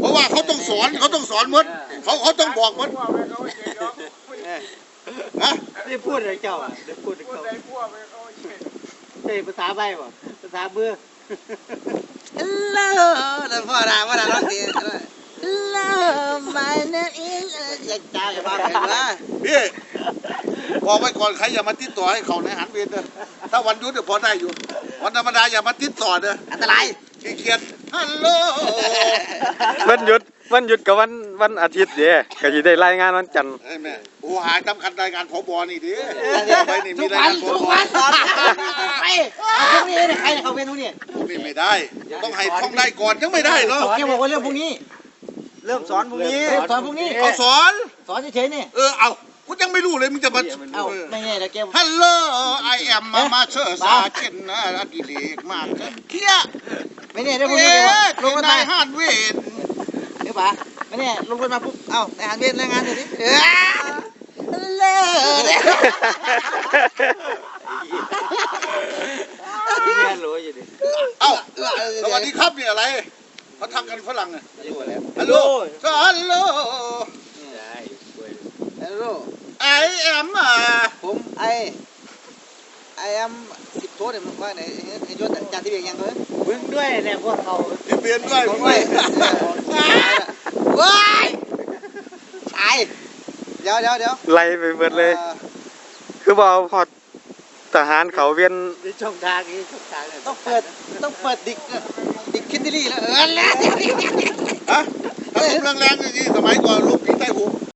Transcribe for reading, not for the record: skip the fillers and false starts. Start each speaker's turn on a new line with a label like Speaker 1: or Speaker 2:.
Speaker 1: ราะว่าเขาต้องสอนหมดเขาต้องบอกหมดนะ
Speaker 2: ได้พูดอะไรเจ้าอ่ะได้พูดอะไรเขาใช่ภาษาใบบ่ภาษาเบื่อ
Speaker 3: ฮัลโหลแล้วพ่อด่าร้องเพลงฮัลโหล my name is อยากจ้ากับพ่อเพลงว่า
Speaker 1: พี่บอกไว้ก่อนใครอย่ามาติดต่อให้เขาในหันเวรเด้อถ้าวันหยุดพอได้อยู่วันธรรมดาอย่ามาติดต่อเด้อ
Speaker 3: อันตราย
Speaker 1: ขี้เกียจฮัลโหล
Speaker 4: วันหยุดกับวันอาทิตย์เด้ก็สิได้รายงานวันจันทร์
Speaker 1: ไอ้แม่โอ้หายสำคัญรายงานผบนี่ดิไปนี่
Speaker 3: ทุ
Speaker 1: มี
Speaker 3: ก
Speaker 1: ราย
Speaker 3: วัน
Speaker 1: งานผ
Speaker 3: ทุก
Speaker 1: บ
Speaker 3: วันตอนไปเอาพวกนี้เนี่ยใครเนี่ยเขาเป็นพวกนี้
Speaker 1: นี่ไม่ได้ต้องให้ท่องได้ก่อนยังไม่ได้เหรอ
Speaker 3: แกบอกว่าเรื่องพวกนี้
Speaker 2: เริ่มสอนพรุ่งนี้
Speaker 3: สอนพวกนี้
Speaker 1: เขาสอน
Speaker 3: สอนเฉยๆนี่
Speaker 1: เอากูยังไม่รู้เลยมึงจะมา
Speaker 3: เอ้าไม่แน่แล้วแก
Speaker 1: ฮัลโหลไอแอมมาเชื่อสาเกินนะอดิเรกมากเคี้ย
Speaker 3: ไม่แน่ได้พวกนี้
Speaker 1: ล
Speaker 3: ล
Speaker 1: ง
Speaker 3: ง
Speaker 1: มา
Speaker 3: มา
Speaker 1: ได้
Speaker 3: ได้
Speaker 1: ห้านเวท
Speaker 3: เดี๋ยวป๋าไม่แน่ลงรถมาปุ๊บเอ้าในหารเวรรายงานเดี๋ยวนี้เลิศ
Speaker 2: ที่เรียนรู้อยู่ดิ
Speaker 1: เอ้าสวัสดีครับนี่อะไรเขาทำกันฝรั่งอะฮัลโหลฮัลโหล
Speaker 3: ฮัลโหล
Speaker 1: ไอแอม
Speaker 3: ผมไอแอม10 โทษเนี่ยมันว่าไหนไอ้ยศจานที่เบียงยังเลย
Speaker 2: มึงด้วยเนี่ยพวกเขา
Speaker 1: ที่เปลี่ยนด้วย
Speaker 3: ผ
Speaker 1: มึ
Speaker 3: ม
Speaker 1: ง
Speaker 3: ไว้
Speaker 1: ไม่
Speaker 3: ว้ายตายเดี๋ยว
Speaker 4: ไล่ไปเบิดเลย คือบ่เอาพอทหารเขาเวียน
Speaker 2: มีช่องทางนี้ช่องทางเนี่ย
Speaker 3: ต้องเปิดดิกคินดิลี่แล้วแล้ว
Speaker 1: ฮะถ้าผมแรงๆอย่างนี้สมัยก่อนลูกพี่ใต้หู